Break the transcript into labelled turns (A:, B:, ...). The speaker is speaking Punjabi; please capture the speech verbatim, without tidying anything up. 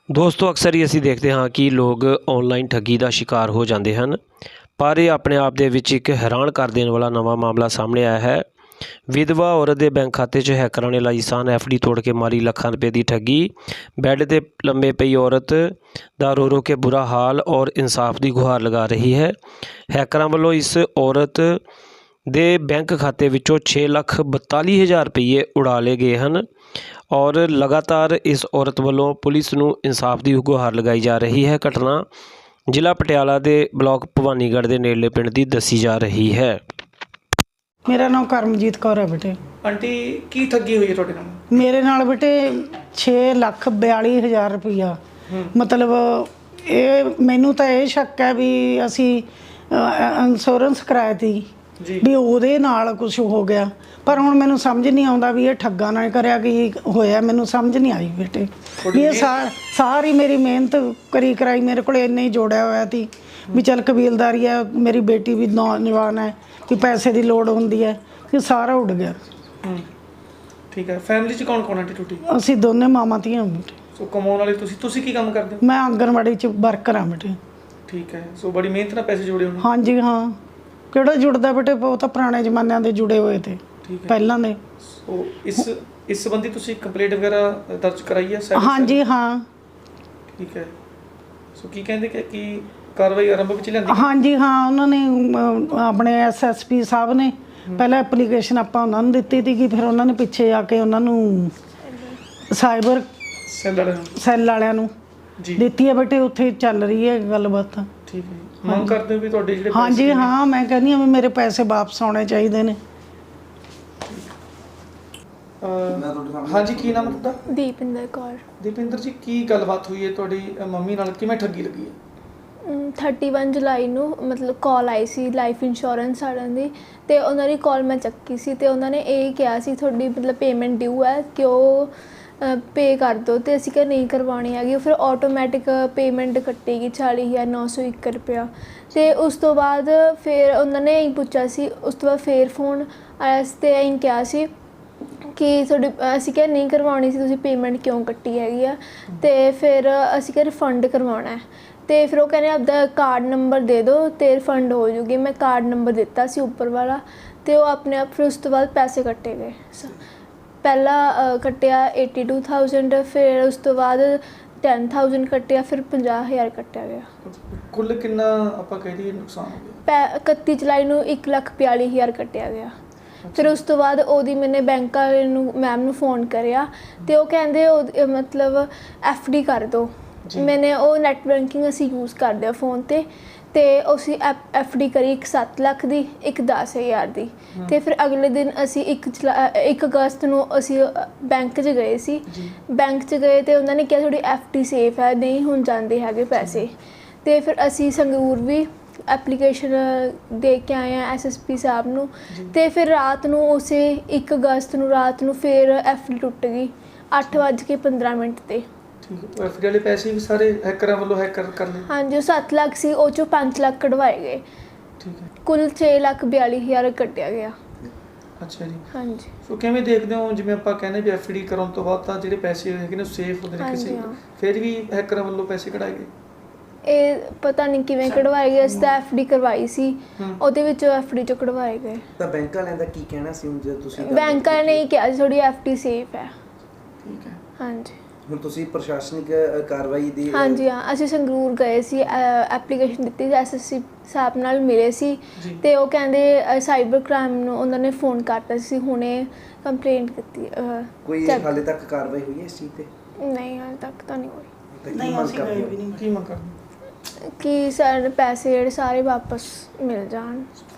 A: ਦੋਸਤੋ ਅਕਸਰ ਹੀ ਅਸੀਂ ਦੇਖਦੇ ਹਾਂ ਕਿ ਲੋਕ ਆਨਲਾਈਨ ਠੱਗੀ ਦਾ ਸ਼ਿਕਾਰ ਹੋ ਜਾਂਦੇ ਹਨ, ਪਰ ਇਹ ਆਪਣੇ ਆਪ ਦੇ ਵਿੱਚ ਇੱਕ ਹੈਰਾਨ ਕਰ ਦੇਣ ਵਾਲਾ ਨਵਾਂ ਮਾਮਲਾ ਸਾਹਮਣੇ ਆਇਆ ਹੈ। ਵਿਧਵਾ ਔਰਤ ਦੇ ਬੈਂਕ ਖਾਤੇ 'ਚ ਹੈਕਰਾਂ ਨੇ ਲਾਈ ਸਾਨ ਐਫ ਡੀ ਤੋੜ ਕੇ ਮਾਰੀ ਲੱਖਾਂ ਰੁਪਏ ਦੀ ਠੱਗੀ। ਬੈੱਡ 'ਤੇ ਲੰਮੇ ਪਈ ਔਰਤ ਦਾ ਰੋ ਰੋ ਕੇ ਬੁਰਾ ਹਾਲ ਔਰ ਇਨਸਾਫ ਦੀ ਗੁਹਾਰ ਲਗਾ ਰਹੀ ਹੈ। ਹੈਕਰਾਂ ਵੱਲੋਂ ਇਸ ਔਰਤ ਦੇ ਬੈਂਕ ਖਾਤੇ ਵਿੱਚੋਂ ਛੇ ਲੱਖ ਬਤਾਲੀ ਹਜ਼ਾਰ ਰੁਪਏ ਉਡਾ ਲਏ ਗਏ ਹਨ ਔਰ ਲਗਾਤਾਰ ਇਸ ਔਰਤ ਵੱਲੋਂ ਪੁਲਿਸ ਨੂੰ ਇਨਸਾਫ ਦੀ ਗੁਹਾਰ ਲਗਾਈ ਜਾ ਰਹੀ ਹੈ। ਘਟਨਾ ਜ਼ਿਲ੍ਹਾ ਪਟਿਆਲਾ ਦੇ ਬਲਾਕ ਭਵਾਨੀਗੜ੍ਹ ਦੇ ਨੇੜਲੇ ਪਿੰਡ ਦੀ ਦੱਸੀ ਜਾ ਰਹੀ ਹੈ।
B: मेरा नाम करमजीत कौर है बेटे।
C: आंटी की ठगी हुई है ਤੁਹਾਡੇ ਨਾਲ?
B: मेरे नाल बेटे छे ਲੱਖ बयाली हज़ार रुपया मतलब ਇਹ ਮੈਨੂੰ ਤਾਂ ਇਹ ਸ਼ੱਕ ਹੈ ਵੀ ਅਸੀਂ ਇੰਸ਼ੋਰੈਂਸ ਕਰਾਇਆ ਤੀ ਵੀ ਉਹਦੇ ਨਾਲ ਕੁਝ ਹੋ ਗਿਆ, ਪਰ ਹੁਣ ਮੈਨੂੰ ਸਮਝ ਨਹੀਂ ਆਉਂਦਾ ਵੀ ਇਹ ਠੱਗਾ ਨਾਲ ਕਰਿਆ ਕੀ ਹੋਇਆ। ਮੈਨੂੰ ਸਮਝ ਨਹੀਂ ਆਈ ਬੇਟੇ ਵੀ ਇਹ ਸਾਰੀ ਮੇਰੀ ਮਿਹਨਤ ਕਰੀ ਕਰਾਈ ਮੇਰੇ ਕੋਲ ਇੰਨੇ ਹੀ ਜੋੜਿਆ ਹੋਇਆ ਸੀ ਵੀ ਚੱਲ ਕਬੀਲਦਾਰੀ ਹੈ, ਮੇਰੀ ਬੇਟੀ ਵੀ ਨੌਜਵਾਨ ਹੈ ਕਿ ਪੈਸੇ ਦੀ ਲੋੜ ਹੁੰਦੀ ਹੈ, ਕਿ ਸਾਰਾ ਉੱਡ ਗਿਆ।
C: ਠੀਕ ਹੈ। ਫੈਮਿਲੀ 'ਚ ਕੌਣ ਕੌਣ ਆਂਟੀ ਟੁੱਟੀ?
B: ਅਸੀਂ ਦੋਨੇ ਮਾਮਾ ਧੀਆਂ ਬੇਟੇ।
C: ਸੋ ਕਮਾਉਣ ਵਾਲੇ ਤੁਸੀਂ ਤੁਸੀਂ ਕੀ ਕੰਮ ਕਰਦੇ ਹੋ?
B: ਮੈਂ ਆਂਗਣਵਾੜੀ 'ਚ ਵਰਕਰ ਹਾਂ ਬੇਟੇ।
C: ਠੀਕ ਹੈ। ਸੋ ਬੜੀ ਮਿਹਨਤ ਨਾਲ ਪੈਸੇ ਜੋੜੇ ਹੋਣੇ।
B: ਹਾਂਜੀ ਹਾਂ, ਕਿਹੜਾ ਜੁੜਦਾ ਬੇਟੇ, ਉਹ ਤਾਂ ਪੁਰਾਣੇ ਜ਼ਮਾਨਿਆਂ ਦੇ ਜੁੜੇ ਹੋਏ ਤੇ ਪਹਿਲਾਂ ਦੇ।
C: ਸੋ ਇਸ ਇਸ ਸੰਬੰਧੀ ਤੁਸੀਂ ਕੰਪਲੇਂਟ ਵਗੈਰਾ ਦਰਜ ਕਰਾਈ ਹੈ?
B: ਹਾਂਜੀ ਹਾਂ।
C: ਠੀਕ ਹੈ। ਸੋ ਕੀ ਕਹਿੰਦੇ ਕਿ ਕੀ ਕਾਰਵਾਈ ਆਰੰਭ ਵਿੱਚ ਲੈਂਦੀ?
B: ਹਾਂਜੀ ਹਾਂ, ਉਹਨਾਂ ਨੇ ਆਪਣੇ ਐਸ ਐਸ ਪੀ ਸਾਹਿਬ ਨੇ ਪਹਿਲਾਂ ਐਪਲੀਕੇਸ਼ਨ ਆਪਾਂ ਉਹਨਾਂ ਨੂੰ ਦਿੱਤੀ ਸੀਗੀ, ਫਿਰ ਉਹਨਾਂ ਨੇ ਪਿੱਛੇ ਆ ਕੇ ਉਹਨਾਂ ਨੂੰ ਸਾਈਬਰ
C: ਸੈੱਲ ਵਾਲਿਆਂ ਨੂੰ
B: ਸੈੱਲ ਵਾਲਿਆਂ ਨੂੰ ਦਿੱਤੀ ਹੈ ਬੇਟੇ। ਉੱਥੇ ਚੱਲ ਰਹੀ ਹੈ ਗੱਲਬਾਤ। ਠੀਕ ਹੈ।
C: ਮੰਗ ਕਰਦੇ ਹੋ ਵੀ ਤੁਹਾਡੇ ਜਿਹੜੇ
B: ਹਾਂਜੀ ਹਾਂ, ਮੈਂ ਕਹਿੰਦੀ ਹਾਂ ਵੀ ਮੇਰੇ ਪੈਸੇ ਵਾਪਸ ਆਉਣੇ ਚਾਹੀਦੇ ਨੇ।
C: ਹਾਂਜੀ, ਕੀ ਨਾਮ ਹੈ ਤੁਹਾਡਾ?
D: ਦੀਪਿੰਦਰ ਕੌਰ।
C: ਦੀਪਿੰਦਰ ਜੀ, ਕੀ ਗੱਲਬਾਤ ਹੋਈ ਹੈ ਤੁਹਾਡੀ ਮੰਮੀ ਨਾਲ, ਕਿਵੇਂ ਠੱਗੀ ਲੱਗੀ ਹੈ?
D: ਥਰਟੀ ਵਨ ਜੁਲਾਈ ਨੂੰ ਮਤਲਬ ਕਾਲ ਆਈ ਸੀ ਲਾਈਫ ਇੰਸ਼ੋਰੈਂਸ ਵਾਲਿਆਂ ਦੀ, ਅਤੇ ਉਹਨਾਂ ਦੀ ਕਾਲ ਮੈਂ ਚੱਕੀ ਸੀ ਅਤੇ ਉਹਨਾਂ ਨੇ ਇਹ ਕਿਹਾ ਸੀ ਤੁਹਾਡੀ ਮਤਲਬ ਪੇਮੈਂਟ ਡਿਊ ਹੈ ਕਿ ਉਹ ਪੇ ਕਰ ਦਿਓ, ਅਤੇ ਅਸੀਂ ਕਿਹਾ ਨਹੀਂ ਕਰਵਾਉਣੀ ਹੈਗੀ। ਫਿਰ ਆਟੋਮੈਟਿਕ ਪੇਮੈਂਟ ਕੱਟੇਗੀ ਚਾਲੀ ਹਜ਼ਾਰ ਨੌ ਸੌ ਇੱਕ ਰੁਪਇਆ। ਅਤੇ ਉਸ ਤੋਂ ਬਾਅਦ ਫਿਰ ਉਹਨਾਂ ਨੇ ਇਹੀ ਪੁੱਛਿਆ ਸੀ, ਉਸ ਤੋਂ ਬਾਅਦ ਫਿਰ ਫੋਨ ਆਇਆ ਸੀ ਅਤੇ ਇਹੀ ਕਿਹਾ ਸੀ ਕਿ ਤੁਹਾਡੀ ਅਸੀਂ ਕਿਹਾ ਨਹੀਂ ਕਰਵਾਉਣੀ ਸੀ, ਤੁਸੀਂ ਪੇਮੈਂਟ ਕਿਉਂ ਕੱਟੀ ਹੈਗੀ ਆ, ਅਤੇ ਫਿਰ ਅਸੀਂ ਕਿਹਾ ਰਿਫੰਡ ਕਰਵਾਉਣਾ ਹੈ। ਅਤੇ ਫਿਰ ਉਹ ਕਹਿੰਦੇ ਆਪਦਾ ਕਾਰਡ ਨੰਬਰ ਦੇ ਦਿਓ ਅਤੇ ਰਿਫੰਡ ਹੋ ਜੂਗੀ। ਮੈਂ ਕਾਰਡ ਨੰਬਰ ਦਿੱਤਾ ਸੀ ਉੱਪਰ ਵਾਲਾ, ਅਤੇ ਉਹ ਆਪਣੇ ਆਪ ਫਿਰ ਉਸ ਤੋਂ ਬਾਅਦ ਪੈਸੇ ਕੱਟੇ ਗਏ। ਪਹਿਲਾਂ ਕੱਟਿਆ ਏਟੀ ਟੂ ਥਾਊਜੈਂਡ, ਫਿਰ ਉਸ ਤੋਂ ਬਾਅਦ ਟੈਨ ਥਾਊਜੈਂਡ ਕੱਟਿਆ, ਫਿਰ ਪੰਜਾਹ ਹਜ਼ਾਰ ਕੱਟਿਆ ਗਿਆ।
C: ਕੁੱਲ ਕਿੰਨਾ ਆਪਾਂ ਕਹਿ ਦਈਏ ਨੁਕਸਾਨ ਹੋ ਗਿਆ?
D: ਪੈ ਇਕੱਤੀ ਜੁਲਾਈ ਨੂੰ ਇੱਕ ਲੱਖ ਬਿਆਲੀ ਹਜ਼ਾਰ ਕੱਟਿਆ ਗਿਆ। ਫਿਰ ਉਸ ਤੋਂ ਬਾਅਦ ਉਹਦੀ ਮੈਨੇ ਬੈਂਕ ਵਾਲੇ ਨੂੰ ਮੈਮ ਨੂੰ ਫੋਨ ਕਰਿਆ ਅਤੇ ਉਹ ਕਹਿੰਦੇ ਉਹ ਮਤਲਬ ਐਫ ਡੀ ਕਰ ਦਿਓ। ਮੈਨੇ ਉਹ ਨੈੱਟ ਬੈਂਕਿੰਗ ਅਸੀਂ ਯੂਜ਼ ਕਰਦੇ ਹਾਂ ਫ਼ੋਨ 'ਤੇ, ਅਤੇ ਅਸੀਂ ਐਫ ਐਫ ਡੀ ਕਰੀ ਇੱਕ ਸੱਤ ਲੱਖ ਦੀ, ਇੱਕ ਦਸ ਹਜ਼ਾਰ ਦੀ। ਅਤੇ ਫਿਰ ਅਗਲੇ ਦਿਨ ਅਸੀਂ ਇੱਕ ਜੁਲਾ ਇੱਕ ਅਗਸਤ ਨੂੰ ਅਸੀਂ ਬੈਂਕ 'ਚ ਗਏ ਸੀ। ਬੈਂਕ 'ਚ ਗਏ ਅਤੇ ਉਹਨਾਂ ਨੇ ਕਿਹਾ ਤੁਹਾਡੀ ਐਫ ਡੀ ਸੇਫ ਹੈ, ਨਹੀਂ ਹੁਣ ਜਾਂਦੇ ਹੈਗੇ ਪੈਸੇ। ਅਤੇ ਫਿਰ ਅਸੀਂ ਸੰਗਰੂਰ ਵੀ ਐਪਲੀਕੇਸ਼ਨ ਦੇ ਕੇ ਆਏ ਹਾਂ ਐਸ ਐਸ ਪੀ ਸਾਹਿਬ ਨੂੰ, ਅਤੇ ਫਿਰ ਰਾਤ ਨੂੰ ਉਸੇ ਇੱਕ ਅਗਸਤ ਨੂੰ ਰਾਤ ਨੂੰ ਫਿਰ ਐਫ ਡੀ ਟੁੱਟ ਗਈ ਅੱਠ ਵੱਜ ਕੇ ਪੰਦਰਾਂ ਮਿੰਟ 'ਤੇ।
C: ਠੀਕ ਹੈ। ਐਫ ਡੀ ਵਾਲੇ ਪੈਸੇ ਵੀ ਸਾਰੇ ਹੈਕਰਾਂ ਵੱਲੋਂ ਹੈਕਰ ਕਰ ਲਏ?
D: ਹਾਂਜੀ, ਉਹ ਸੱਤ ਲੱਖ ਸੀ, ਉਹ 'ਚੋਂ ਪੰਜ ਲੱਖ ਕਢਵਾਏ ਗਏ।
C: ਠੀਕ ਹੈ।
D: ਕੁੱਲ ਛੇ ਲੱਖ ਬਿਆਲੀ ਹਜ਼ਾਰ ਕੱਟਿਆ ਗਿਆ।
C: ਅੱਛਾ ਜੀ।
D: ਹਾਂਜੀ।
C: ਸੋ ਕਿਵੇਂ ਦੇਖਦੇ ਹੋ, ਜਿਵੇਂ ਆਪਾਂ ਕਹਿੰਦੇ ਵੀ ਐਫ ਡੀ ਕਰਾਉਣ ਤੋਂ ਬਾਅਦ ਤਾਂ ਜਿਹੜੇ ਪੈਸੇ ਹੈਗੇ ਨੇ ਸੇਫ ਹੁੰਦੇ ਨੇ ਕਿਸੇ, ਫਿਰ ਵੀ ਹੈਕਰਾਂ ਵੱਲੋਂ ਪੈਸੇ ਕਢਾਏ ਗਏ? ਇਹ
D: ਪਤਾ ਨਹੀਂ ਕਿਵੇਂ ਕਢਵਾਏ ਗਏ। ਅਸੀਂ ਤਾਂ ਐਫ ਡੀ ਕਰਵਾਈ ਸੀ, ਉਹਦੇ ਵਿੱਚੋਂ ਐਫ ਡੀ 'ਚੋਂ ਕਢਵਾਏ ਗਏ।
E: ਤਾਂ ਬੈਂਕ ਵਾਲਿਆਂ ਦਾ ਕੀ ਕਹਿਣਾ ਸੀ ਜੇ ਤੁਸੀਂ?
D: ਬੈਂਕ ਵਾਲਿਆਂ ਨੇ ਇਹ ਕਿਹਾ ਸੀ ਤੁਹਾਡੀ ਐਫ ਡੀ ਸੇਫ ਹੈ।
C: ਠੀਕ ਹੈ।
D: ਹਾਂਜੀ।
E: ਹੁਣ ਤੁਸੀਂ ਪ੍ਰਸ਼ਾਸਨਿਕ ਕਾਰਵਾਈ ਦੀ?
D: ਹਾਂਜੀ ਹਾਂ, ਅਸੀਂ ਸੰਗਰੂਰ ਗਏ ਸੀ, ਐਪਲੀਕੇਸ਼ਨ ਦਿੱਤੀ ਸੀ, ਐਸ ਐਸ ਸੀ ਸਾਹਿਬ ਨਾਲ ਮਿਲੇ ਸੀ, ਅਤੇ ਉਹ ਕਹਿੰਦੇ ਸਾਈਬਰ ਕ੍ਰਾਈਮ ਨੂੰ ਉਹਨਾਂ ਨੇ ਫੋਨ ਕਰਤਾ ਸੀ, ਹੁਣੇ ਕੰਪਲੇਂਟ ਕੀਤੀ।
E: ਕੋਈ ਹਾਲੇ ਤੱਕ ਕਾਰਵਾਈ ਹੋਈ ਹੈ ਇਸ ਚੀਜ਼ 'ਤੇ?
D: ਨਹੀਂ, ਹਾਲੇ ਤੱਕ ਤਾਂ ਨਹੀਂ ਹੋਈ।
B: ਨਹੀਂ, ਅਸੀਂ ਗਏ ਵੀ ਨਹੀਂ।
C: ਕੀ ਮੰਗ ਕਰਦੇ?
D: ਕਿ ਸਾਡੇ ਪੈਸੇ ਜਿਹੜੇ ਸਾਰੇ ਵਾਪਸ ਮਿਲ ਜਾਣ।